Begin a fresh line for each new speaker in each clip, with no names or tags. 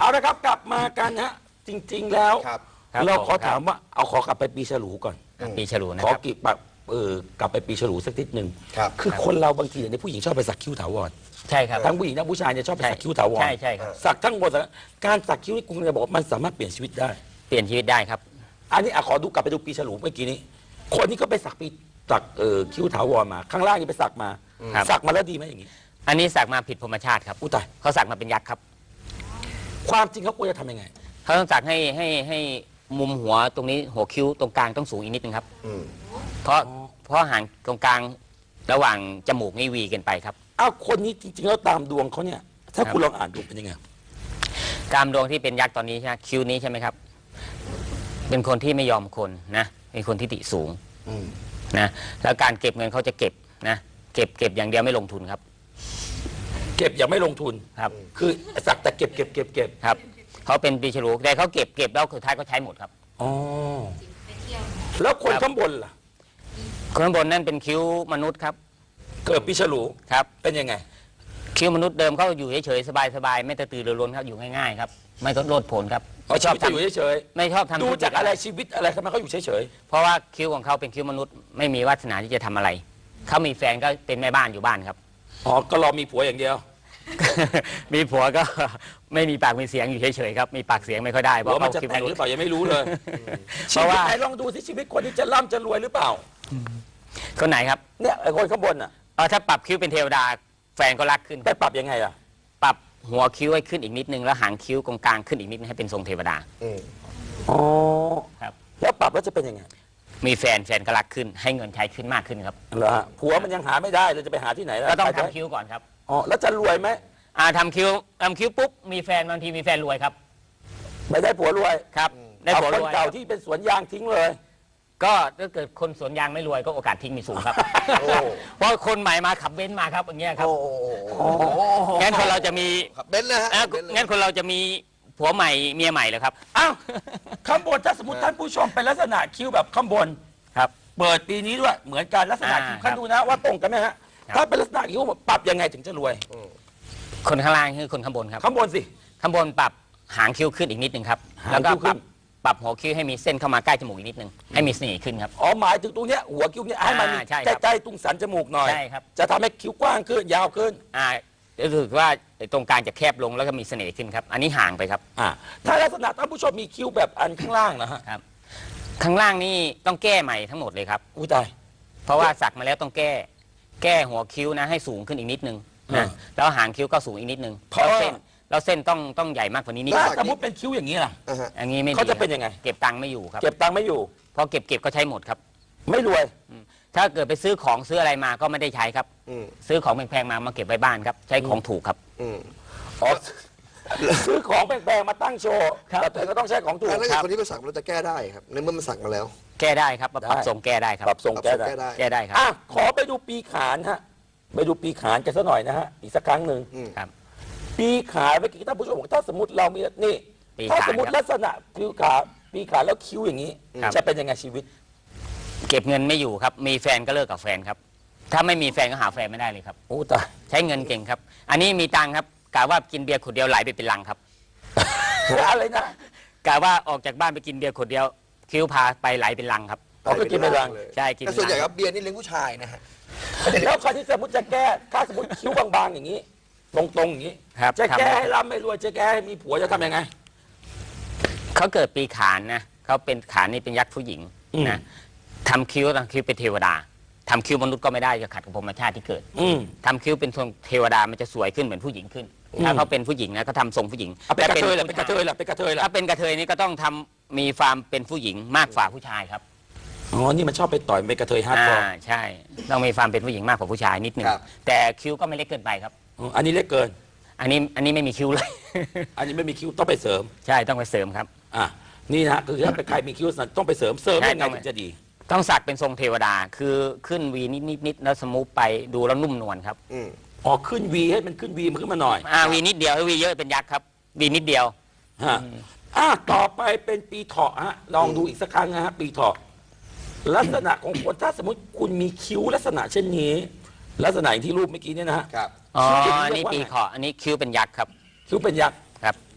ละครับกลับมากันฮะจริงๆแล้ว
ครับ
เราขอถามว่าเอาขอกลับไปปีฉลูก่อน
ปีฉลูนะ
ขอ
ครับ
กิบแบบกลับไปปีฉลูสักนิดหนึ่ง
ครับ
คือคนเราบางทีเนี่ยผู้หญิงชอบไปสักคิ้วถาวร
ใช่ครับ
ทั้งผู้หญิงทั้งผู้ชายเนี่ยชอบไปสักคิ้วถาวร
ใช่ครับ
สักทั้งหมดการสักคิ้วนี่คุณจะบอกว่ามันสามารถเปลี่ยนชีวิตได้
เปลี่ยนชีวิตได้ครับ
อันนี้ขอดูกลับไปดูปีฉลูเมื่อกี้นี้ คนนี้ก็ไปสักคิ้วถาวรมา ข้างล่างนี่ไปสักมา
ครับ
สักมาแล้วดีไหมอย่างนี้
อันนี้สักมาผิดพรหมชาติครับ
อุยตาย
เขาสักมาเป็นยักษ์ครับ
ความจริงเขาควรจะทำยังไง
เขาต้องสักให้มุมหัวตรงนี้หัวคิ้วตรงกลางต้องสูงอีกนิดนึงครับ
อืม
เพราะห่างตรงกลางระหว่างจมูกนี่วีกันไปครับ
อ้าวคนนี้จริงๆแล้วตามดวงเขาเนี่ย ถ้า
ครับ
คุณลองอ่านดูเป็นยังไง
ตามดวงที่เป็นยักษ์ตอนนี้ใช่ไหมคิ้วนี้ใช่ไหมครับ เป็นคนที่ไม่ยอมคนนะเป็นคนที่ติสูง
อืม
นะแล้วการเก็บเงินเขาจะเก็บนะเก็บอย่างเดียวไม่ลงทุนครับ
เก็บอย่างไม่ลงทุน
ครับ
คือสักแต่เก็บ
ครับเขาเป็นปีฉลูแต่เขาเก็บแล้วสุดท้ายก็ใช้หมดครับ
อ๋อแล้วคนข้างบนล่ะ
คนข้างบนนั่นเป็นคิ้วมนุษย์ครับ
เกิดปีฉลู
ครับ
เป็นยังไง
คิ้วมนุษย์เดิมเขาอยู่เฉยๆสบายๆไม่กระตือรือร้นครับอยู่ง่ายๆครับไม่ต้องโลดโผนครับ
เขาชอบจะอยู่เฉย
ไม่ชอบทำ
ๆดูจากอะไรชีวิตอะไรทำไมเขาอยู่เฉย
เพราะว่าคิ้วของเขาเป็นคิ้วมนุษย์ไม่มีวาสนาที่จะทำอะไรเขามีแฟนก็เป็นแม่บ้านอยู่บ้านครับ
ๆอ๋อก็รอมีผัวอย่างเดียว
มีผัวก็ ไม่มีปากมีเสียงอยู่เฉยๆครับมีปากเสียงไม่ค่อยได้เพ
ผัว
ราะ
มัน
เขา
จะ
คิ้ว
แต่
ม
ง
นุ
ห
ษ
รือ
ย์
เปล่ายังไม่รู้เลย
เพราะว่า
ไหนลองดูสิชีวิตคนที่จะร่ำจะรวยหรือเปล่า
คนไหนครับ
เนี่ยไอ้คนข้างบนอ่ะ
ถ้าปรับคิ้วเป็นเทวดาแฟนก็รักขึ้น
ไปปรับยังไงล่ะ
ปรับหัวคิ้วให้ขึ้นอีกนิดนึงแล้วหางคิ้วตรงกลางขึ้นอีกนิดนึงให้เป็นทรงเทวดา
อืม
อ๋อ
ครับ
แล้วปรับแล้วจะเป็นยังไง
มีแฟนก็รักขึ้น ให้เงินใช้ขึ้นมากขึ้นครับ
เหรอฮะผัวมันยังหาไม่ได้เราจะไปหาที่ไหนล่ะ
ก็ต้อง
ใครจะ
ทำคิ้วก่อนครับ
อ๋อแล้วจะรวยไหม
ทำคิ้วปุ๊บมีแฟนบางทีมีแฟนรวยครับ
ไม่ได้ผัวรวย
ครับได้
เอา
ผัว
ค
ร
น
วย
เก่าที่เป็นสวนยางทิ้งเลย
ก็ถ้าเกิดคนสวนยางไม่รวยก็โอกาสทิ้งมีสูงครับ
โอ้
เพราะคนใหม่มาขับเบนซ์มาครับอย่างเงี้ยครับ
โอ้โห
งั้นคนเราจะมี
ครับเบนซ์นะฮะ เบนซ์เลย
งั้นคนเราจะมีผัวใหม่เมียใหม่เหรอครับ
อ้าวข้างบนถ้าสมมติท่านผู้ชมเป็นลักษณะคิ้วแบบข้างบน
ครับ
เปิดปีนี้ด้วยเหมือนกันลักษณะคิ้ว
ครั
คัน
บ
ดูนะว่าตรงกันไหมฮะ
ครับ
ถ้าเป็นลักษณะคิ้วปรับยังไงถึงจะรวย
คนข้างล่างคือคนข้างบนครับ
ข้างบนสิ
ข้างบนปรับหางคิ้วขึ้นอีกนิดนึงครับ
หาง
แล้วก็
คิ้วขึ้น
ปรับหัวคิ้วให้มีเส้นเข้ามาใกล้จมูกอีกนิดนึงให้มีเสน่ห์ขึ้นครับ
อ๋อหมายถึงตรงเนี้ยหัวคิ้วเนี่ยให้มันมี
ใช่ครับ
ใกล้ๆตรงสันจมูกหน่อย
ใช่ครับ
จะทำให้คิ้วกว้างขึ้นยาวขึ้น
รู้สึกว่าตรงกลางจะแคบลงแล้วก็มีเสน่ห์ขึ้นครับ อันนี้ห่างไปครับ
ถ้าลักษณะท่านผู้ชมมีคิ้วแบบอันข้างล่างนะฮะ
ครับ ข้างล่างนี่ต้องแก้ใหม่ทั้งหมดเลยครับ
อุ้ยตาย
เพราะว่าสักมาแล้วต้องแก้หัวคิ้วนะให้สูงขึ้นอีกนิดนึง
อ่า
นะแล้วหางคิ้วก็สูงอีกนิดนึง
เพราะ
แล้วเส้นต้องใหญ่มากกว่านี้นิด
ถ้า
นึง
สมมติเป็นคิ้วอย่างนี้ล่ะ
อ่าฮะ
อย่างนี้ไม่ดี
เขาจะเป็นยังไง
เก็บตังค์ไม่อยู่ครับ
เก็บตังค์ไม่อยู่
เพราะเก็บก็ใช้หมดครับ
ไม่รวย
ถ้าเกิดไปซื้อของซื้ออะไรมาก็ไม่ได้ใช้ครับ
อืม
ซื้อของแพงๆมาเก็บไว้บ้านครับ ใช้ของถูกครับ
อืม
อ๋อซื้อของแพงๆมาตั้งโชว์
ครับ
แต่ตัวเองก็ต้องใช้ของถูก
ถ้าเกิด
ครับ
คนที่ไปสักเราจะแก้ได้ครับ ในเมื่อมันสักมาแล้ว
แก้ได้ครับปรับ
ได้
ทรงแก้ได้ครับ
ปรับทรงแก้ได้
แก้ได้ครับ
ขอไปดูปีขานฮะไปดูปีขานกันสักหน่อยนะฮะอีกสักครั้งหนึ่ง
อืม
ครับ
ปีขานเมื่อกี้ท่านผู้ชมบอกถ้าสมมติเรามีนี่
ปี
ถ้า
ขาน
สมมติ
ครับ
ลักษณะคิ้วขาปีขานแล้วคิ้วอย่างนี้
ครับ
จะเป็นยังไงชีวิต
เก็บเงินไม่อยู่ครับ มีแฟนก็เลิกกับแฟนครับ ถ้าไม่มีแฟนก็หาแฟนไม่ได้เลยครับ
โอ้ตาย
ใช้เงินเก่งครับ อันนี้มีตังค์ครับกะว่ากินเบียร์ขวดเดียวไหลไปเป็นลังครับ
อะไรนะ
กะว่าออกจากบ้านไปกินเบียร์ขวดเดียว คิ้วพาไปไหลเป็นลังครับ
เขาก็กินไปรัง
ใช่กิน
แต่ส่วนใหญ่ครับเบียร์นี่เลี้ยงผู้ชายนะฮะ
แล้วใครที่สมมติจะแก้ ถ้าสมมติคิ้วบางๆอย่างนี้ ตรงๆอย่างนี้
ครับ
จะแก้
ทำ
ให้ร่ำให้รวยจะแก้ให้มีผัวจะทำยังไง
เขาเกิดปีขานนะเขาเป็นขานนี่เป็นยักษ์ผู้หญิง
อืม
นะทำคิ้วเป็นเทวดาทำคิ้วมนุษย์ก็ไม่ได้จะขัดกับพรหมชาติที่เกิด
อืม
ทำคิ้วเป็นทรงเทวดามันจะสวยขึ้นเหมือนผู้หญิงขึ้น ถ้าเขาเป็นผู้หญิงนะเขาทำทรงผู้หญิง
เอาเป็นกระเทยเหรอ
แต่
เป็นกระเทยเหรอเป็นกระเทยเหรอ
ถ้าเป็นกระเทยนี่ก็ต้องทำมีความเป็นผู้หญิงมากกว่าผู้ชายครับ
อ๋อนี่มันชอบไปต่อยเป็นกระเทยฮาร์ดคอร์
ใช่ ต้องมีความเป็นผู้หญิงมากกว่าผู้ชายนิดนึง
ครับ
แต่คิ้วก็ไม่เล็กเกินไปครับ
อันนี้เล็กเกิน
อันนี้ไม่มีคิ้วเลย
อันนี้ไม่มีคิ้วต้องไปเสริม
ใช่ต้องไปเสริมครับ
นี่นะฮะคือถ้าเป็นใครมีคิ้วต้องไปเสริมยังไงถึงจะดี
ต้องสักเป็นทรงเทวดาคือขึ้นวีนิดแล้วสมูทไปดูแล้วนุ่มนวลครับ
อืม
อ๋อขึ้นวีให้มันขึ้นวีมันขึ้นมาหน่อย
วีนิดเดียววีเยอะเป็นยักษ์ครับวีนิดเดียว
ฮะต่อไปเป็นปีเถาะฮะลองดูอีกสักครั้งนะฮะปีเถาะลักษณะของคนถ้าสมมติคุณมีคิ้วลักษณะเช่นนี้ ลักษณะอย่างที่รูปเมื่อกี้เนี่ยนะฮะ
ครับ
อ๋อ
คิ้ว
อันนี้
เรียกว่า
ปี
ไง
เขาะอันนี้คิ้วเป็นยักษ์ครับ
คิ้วเป็นยักษ์
ครับ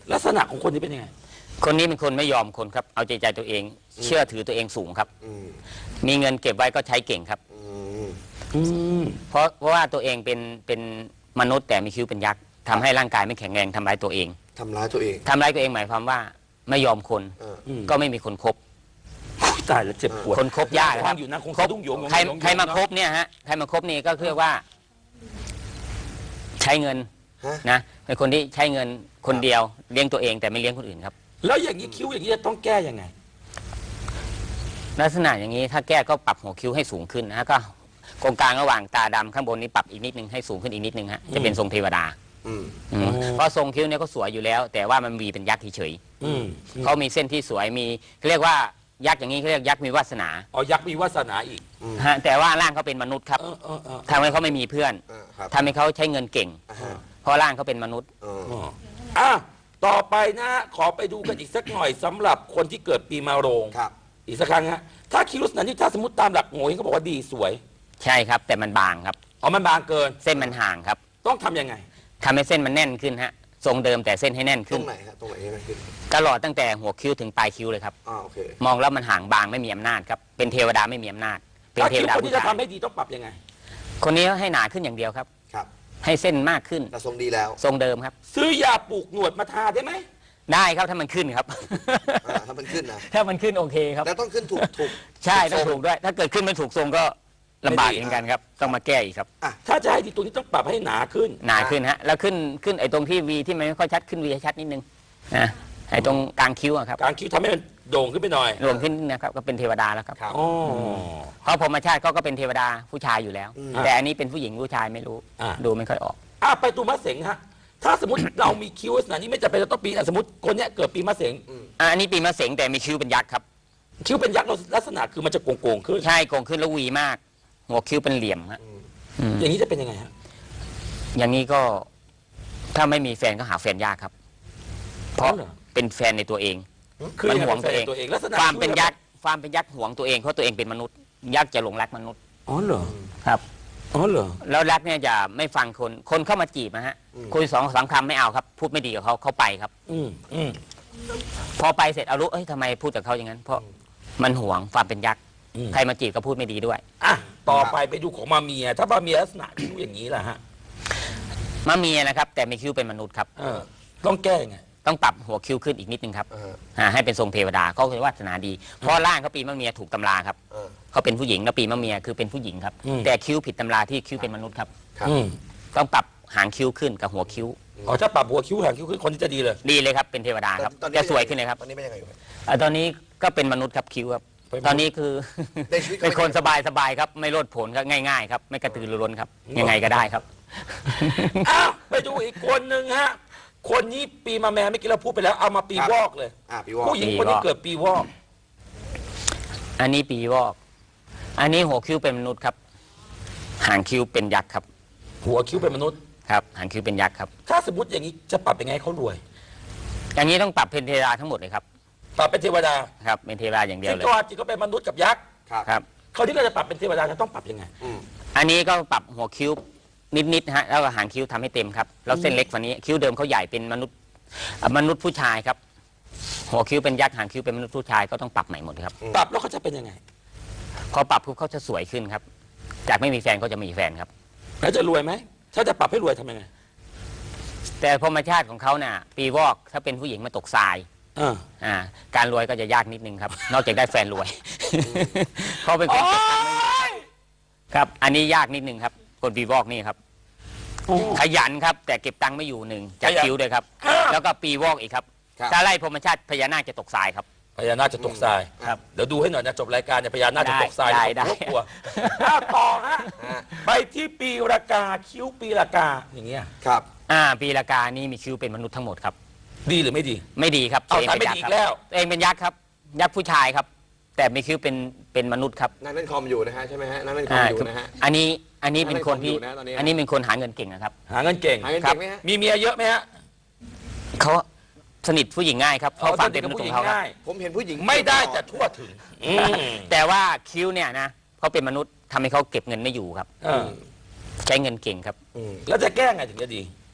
ลักษณะของคนนี้เป็นยังไง
คนนี้เป็นคนไม่ยอมคนครับ เอาใจตัวเอง เชื่อถือตัวเองสูงครับ
อืม
มีเงินเก็บไว้ก็ใช้เก่งครับ
อืม
อืม
เพราะว่าตัวเองเป็นมนุษย์แต่มีคิ้วเป็นยักษ์ทำให้ร่างกายไม่แข็งแรงทำร้ายตัวเอง
ทำร้ายตัวเอง
ทำร้ายตัวเองหมายความว่าไม่ยอมคน
เออ
ก็ไม่มีคนคบ
อุ๊ยตายแล้วเจ็บปวด
คนคบยากครับ
ฟังอยู่นะคง
คบ
สะดุ้งโยง
ใครมาคบเนี่ยฮะใครมาคบนี่ก็เรียกว่า ใช้เงิน
ฮะ
นะเป็นคนที่ใช้เงินคนเดียวเลี้ยงตัวเองแต่ไม่เลี้ยงคนอื่นครับ
แล้วอย่างนี้คิ้วอย่างนี้จะต้องแก้ยังไง
ลักษณะอย่างนี้ถ้าแก้ก็ปรับหัวคิ้วให้สูงขึ้นนะฮะก็ตรงกลางระหว่างตาดำข้างบนนี้ปรับอีกนิดนึงให้สูงขึ้นอีกนิดนึงฮะจะเป็นทรงเทวดา
อืม
อืมเพราะทรงคิ้วเนี่ยก็สวยอยู่แล้ว แต่ว่ามันมีเป็นยักษ์เฉย
อืม
ๆเขามีเส้นที่สวยมีเรียกว่ายักษ์อย่างนี้เขาเรียกยักษ์มีวาสนา
เอายักษ์มีวาสนาอีก
ฮะแต่ว่าร่างเขาเป็นมนุษย์ครับ
เออ
ทำให้เขาไม่มีเพื่อน
ครับ
ทำให้เขาใช้เงินเก่ง
อ่าฮะ
เพราะร่างเขาเป็นมนุษย์
เออ
อ่ะต่อไปนะฮะขอไปดูกันอีกสักหน่อยสำหรับคนที่เกิดปีมะโรง
ครับ
อีกสักครั้งฮะถ้าคิ้วลักษณะนี้ถ้าสมมติตามหลักโง่เฮงเขาบอกว่าดีสวย
ใช่ครับ แต่มันบางครับ
อ๋อมันบางเกิน
เส้นมันห่างครับ
ต้องทำยังไง
ทำให้เส้นมันแน่นขึ้นฮะทรงเดิมแต่เส้นให้แน่น
ตร
ขึ้น
งไหนฮะตรงไหนยังไงขึ้น
ตลอดตั้งแต่หัวคิ้วถึงปลายคิ้วเลยครับ
โอเค
มองแล้วมันห่างบางไม่มีอำนาจครับเป็นเทวดาไม่มีอำนาจเป็น
ถ้า
เท
คิ้
ว
ว
ดา
คน
ผู้
ที่จะ
ชาย
ทำให้ดีต้องปรับยังไง
คนนี้ให้หนาขึ้นอย่างเดียวครับ
ครับ
ให้เส้นมากขึ้น
แต่ทรงดีแล้ว
ทรงเดิมครับ
ซื้อยาปลูกหนวดมาทาได้ไหม
ได้ครับถ้ามันขึ้นครับ
ถ้ามันขึ้นนะ
ถ้ามันขึ้นโอเคครับ
แล้วต้องขึ้นถูก
ใช่
ท
ต้
ร
องถูกด้วย ถ้าเกิดขึ้นไม่ถูกทรงก็ลำบากเหมือนกันครับ ต้องมาแก้อีกครับ
ถ้าจะให้ดีตัวนี้ต้องปรับให้หนาขึ้น
หนาขึ้นฮะแล้วขึ้นไอ้ตรงที่วีที่มันไม่ค่อยชัดขึ้นวีให้ชัดนิดนึงนะไอ้ตรงกลางคิ้วอะครับ
กลางคิ้วทำให้มันโด่งขึ้นไปหน่อย
รวมขึ้นนะครับก็เป็นเทวดาแล้วครับ
ครับ
อ๋อ
เพราะพรหมชาติเขาก็เป็นเทวดาผู้ชายอยู่แล้ว
อืม
แต่อันนี้เป็นผู้หญิงผู้ชายไม่รู้
อ่ะ
ดูไม่ค่อยออก
ไปตัวมะเสงฮะถ้าสมมติ เรามีคิ้วลักษณะนี้ไม่จำเป็นจะต้องปีสมมติคนเนี้ยเกิดปีมะเสง
อันนี้ปีมะเสงแต่มีคิ้วเป็นยักษ์ครับ
คิ้วเป็นยักษ์ลักษณะคือมันจะโก่งๆขึ้น
ใช่โก่งขึ้นแล้ววีมาก หัวคิ้วเป็นเหลี่ยมฮะอืม
อย่างนี้จะเป็นยังไงฮะ
อย่างนี้ก็ถ้าไม่มีแฟนก็หาแฟนยากครับ เพราะ
อ๋อเหรอ
เป็นแฟนในตัวเอง
คือ
มันห่วงตัวเอง
ตัวเองลักษณะ
ความเป็นยักษ์ความเป็นยักษ์ห่วงตัวเองเพราะตัวเองเป็นมนุษย์ ยักษ์จะหลงรักมนุษย์
อ๋อเหรอ
ครับ
อ๋อเหรอ
แล้วรักเนี่ยจะไม่ฟังคนเข้ามาจีบนะฮะคุย2-3คำไม่เอาครับ พูดไม่ดีกับเขาไปครับ
อืม
พอไปเสร็จเอารู้เอ้ยทำไมพูดกับเขาอย่างนั้น เพราะมันห่วงความเป็นยักษ์
อืม
ใครมาจีบก็พูดไม่ดีด้วย
อ่ะต่อไปไปดูของมาเมีย ถ้ามาเมียลักษณะคิ้วอย่างนี้ล่ะฮะ
มาเมียนะครับ แต่มีคิ้วเป็นมนุษย์ครับ
ต้องแก้ยังไง
ต้องปรับหัวคิ้วขึ้นอีกนิดนึงครับ
เออ
ให้เป็นทรงเทวดาเขาคือวาสนาดี เพราะร่างเขาปีมะเมียถูกตำราครับ
เออ
เขาเป็นผู้หญิงแล้วปีมะเมียคือเป็นผู้หญิงครับ
อืม
แต่คิ้วผิดตำราที่คิ้วเป็นมนุษย์ครับ
ครับ
อืม
ต้องปรับหางคิ้วขึ้นกับหัวคิ้ว
อ๋อถ้าปรับหัวคิ้วหางคิ้วขึ้นคนที่จะดีเลย
ดีเลยครับเป็นเทวดาครับ
ตอนนี้
จะสวยขึ้นเลยครับ
ตอนนี้เป็นยังไงอยู่ครับ
ตอนนี้ก็เป็นมนุษย์ครับคิ้วครับ
เป็นมนุษย์
ตอนนี้คือ
ในชีวิตก็
เป็นคนสบายๆครับไม่โลดโผนครับง่ายๆครับไม่กระตือรือร้นครับ ยังไงก็ได้ครับ
อ้าวไปดูอีกคนหนึ่งฮะ คนนี้ปีมาแม่เมื่อกี้เราพูดไปแล้วเอามาปีวอกเลย
พี่วอก
ผู้หญิงคนนี้เกิดปีวอก
อันนี้ปีวอก อันนี้หัวคิ้วเป็นมนุษย์ครับ หางคิ้วเป็นยักษ์ครับ
หัวคิ้วเป็นมนุษย์
ครับหางคิ้วเป็นยักษ์ครับ
ถ้าสมมติอย่างนี้จะปรับยังไงให้เขารวย
อย่างนี้ต้องปรับเป็นเทวดาทั้งหมดเลยครับ
ปรับเป็นเทวดา
ครับเป็นเทวดาอย่างเดียว
ซึ่ง
เลย
ก่อนจริงก็เป็นมนุษย์กับยักษ์
ครับ
ครับ
เขาที่เราจะปรับเป็นเทวดาจะต้องปรับยังไง
อันนี้ก็ปรับหัวคิ้วนิดๆนะฮะแล้วก็หางคิ้วทำให้เต็มครับแล้วเส้นเล็กกว่านี้คิ้วเดิมเขาใหญ่เป็นมนุษย์ผู้ชายครับ หัวคิ้วเป็นยักษ์หางคิ้วเป็นมนุษย์ผู้ชายก็ต้องปรับใหม่หมดครับ
ปรับแล้วเขาจะเป็นยังไง
พอปรับปุ๊บเขาจะสวยขึ้นครับ จากไม่มีแฟนก็จะมีแฟนครับ
แล้วจะรวยไหมถ้าจะปรับให้รวยทำยังไง
แต่ธรรมชาติของเขาน่ะ ปีวอกถ้าเป็นผู้หญิงมาตกทราย
อ่า
การรวยก็จะยากนิดนึงครับ นอกจากได้แฟนรวย เขาเป็นคนเก็บตังค์ไม่อยู่ครับ อันนี้ยากนิดนึงครับคนปีวอกนี่ครับ ขยันครับ แต่เก็บตังค์ไม่อยู่หนึ่งจากคิ้วด้วยครับ แล้วก็ปีวอกอีกครับ
ครับ
ถ้าไล่พรหมชาติพญานาคจะตกทรายครับ
พญานาคจะตกทราย
ครับ
เดี๋ยวดูให้หน่อยนะจบรายการเนี่ยพญานาคจะตกทราย
ได้
เดี๋ยวผม
ได้
ก็กลัวต่อฮะไปที่ปีรากาคิ้วปีรากาอย่างเงี้ย
ครับ
ปีละกานี่มีคิ้วเป็นมนุษย์ทั้งหมดครับ
ดีหรือไม่ดี
ไม่ดีครับ
เอา
ตัว
ทำไม่ดีอีกแล้ว
ตัวเองเป็นยักษ์ครับ ยักษ์ผู้ชายครับ แต่มีคิ้วเป็นมนุษย์ครับ
นั่งเล่นคอมอยู่นะฮะใช่ไหมฮะนั่งเล่นคอมอยู่นะฮะ
อันนี้เป็นคนที่
นั่งเล่นคอมอยู่นะตอนนี้
อันนี้เป็นคนหาเงินเก่งนะครับ
หาเงินเก่ง
หาเงินเก่งไหมฮะ
มีเมียเยอะไหมฮะ
เขาสนิทผู้หญิงง่ายครับเพราะความเป็นมนุษย์ของเขาครับ
ง่าย
ผมเห็นผู้หญิง
ไม่ได้แต่ทั่วถึง
แต่ว่าคิ้วเนี่ยนะเขาเป็นมนุษย์ทำให้เขาเก็บเงินไม่อยู่ครับ
เออ
ใช้เงินเก่งครับ
อืม
แล้วจะแก้ไงถึงจะดี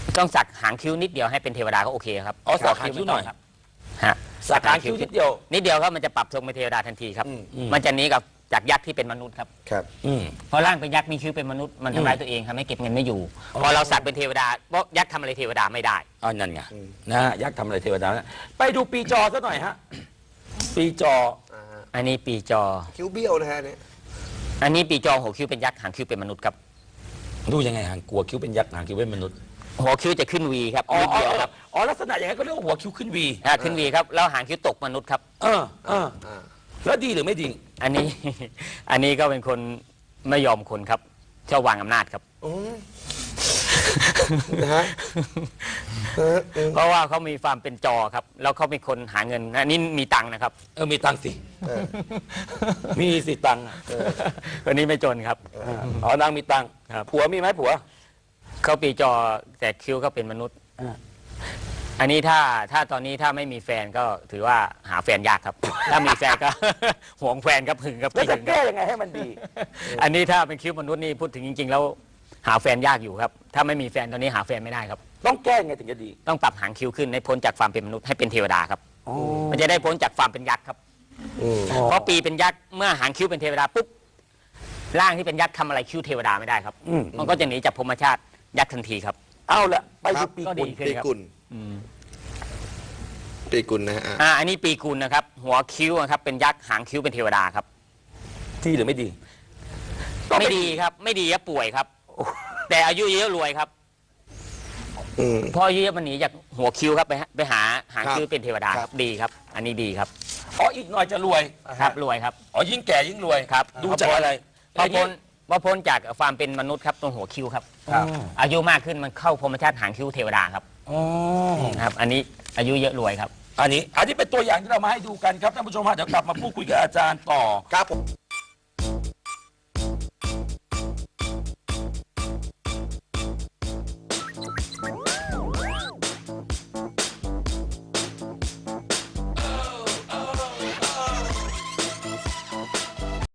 ต้องสักหางคิ้วนิดเดียวให้เป็นเทวดาก็โอเคครับ
อ๋อสักหางคิ้วหน่อย
ครับฮะ
สักหางคิ้วนิดเดียว
นิดเดียวครับมันจะปรับทรงเป็นเทวดาทันทีครับ มันจะหนีกับจากยักษ์ที่เป็นมนุษย์ครับ
ครับ
อืม
เพราะร่างเป็นยักษ์มีคิ้วเป็นมนุษย์มันทำร้ายตัวเองทำให้เก็บเงินไม่อยู่พอเราสักเป็นเทวดาเพราะยักษ์ทำอะไรเทวดาไม่ได้
อ๋อนั่นไงนะฮะยักษ์ทำอะไรเทวดานะไปดูปีจอซะหน่อยฮะปีจอ
อันนี้ปีจอ
คิ้วเบี้ยวนะฮะเนี่ย
อันนี้ปีจอหัวคิ้วเป็นยักษ์หางคิ้วเป็นมนุษย์ครับ
ดูยังไงหางกลัวคิ้วเป็นยักษ์หางคิ้วเป็นมนุษย์
หัวคิ้วจะขึ้นวีครับ
อ๋อ
นิดเดียวครับ
อ๋อลักษณะอย่างนั้นก็เรียกว่าหัวคิ้วขึ้นวี
ขึ้นวีครับแล้วหางคิ้วตกมนุษย์ครับ
เออแล้วดีหรือไม่ดี
อันนี้ อันนี้ก็เป็นคนไม่ยอมคนครับชอบวางอำนาจครับ
นะฮะ
เพราะว่าเขามีความเป็นจอครับ แล้วเขาเป็นคนหาเงินอันนี้มีตังค์นะครับ
มีตังค์สิมีสิตังค์อะ
คนนี้ไม่จนครับ
อ๋อนางมีตังค์
ครับ
ผัวมีไหมผัว
เขาปีจอแต่คิ้วเขาเป็นมนุษย์ อันนี้ถ้าตอนนี้ถ้าไม่มีแฟนก็ถือว่าหาแฟนยากครับ ถ้ามีแฟนก็ หวงแฟนครับหึงครับ
แล้วจะ
หึงค
แก้
รับ
ยังไงให้มันดี
อันนี้ถ้าเป็นคิ้วมนุษย์นี่พูดถึงจริง ๆ แล้วหาแฟนยากอยู่ครับ ถ้าไม่มีแฟนตอนนี้หาแฟนไม่ได้ครับ
ต้องแก้ยังไงถึงจะดี
ต้องปรับหางคิ้วขึ้นให้พ้นจากความเป็นมนุษย์ให้เป็นเทวดาครับ
อ๋อ
มันจะได้พ้นจากความเป็นยักษ์ครับ เพราะปีเป็นยักษ์เมื่อหางคิ้วเป็นเทวดาปุ๊บร่างที่เป็นยักษ์ทำอะไรคิ้วเทวดาไม่ได้ครับ มันก็จะหนีจากพรหมชาติยักษ์ทันทีครับ
เอาละไป
ครั
ดู
บ
ปี
ก็
กุ
ดี
ล
ขึ้น
ปี
ครับ
กุลปีกุลนะฮะ
อันนี้ปีกุลนะครับ หัวคิ้วนะครับเป็นยักษ์หางคิ้วเป็นเทวดาครับ
ดีหรือไม่ดี
ไม่ดีครับ ไม่ดีครับป่วยครับ แต่อายุเยอะรวยครับเพราะอายุเยอะมันหนีจากหัวคิ้วครับไปหาหางคิ้วเป็นเทวดาครับดีครับ อันนี้ดีครับ
อ๋ออีกหน่อยจะรวย
ครับรวยครับ
อ๋อยิ่งแก่ยิ่งรวย
ครับ
ดูจากอะไร
พอพ้นจากความเป็นมนุษย์ครับตรงหัวคิ้วครับ
ครับ
อายุมากขึ้นมันเข้าพรหมชาติหางคิ้วเทวดาครับ
อ๋อ
ครับ อันนี้อายุเยอะรวยครับ
อันนี้เป็นตัวอย่างที่เรามาให้ดูกันครับท่านผู้ชมฮะเดี๋ยวกลับมาพูดคุยกับอาจารย์ต่อ
ครับผม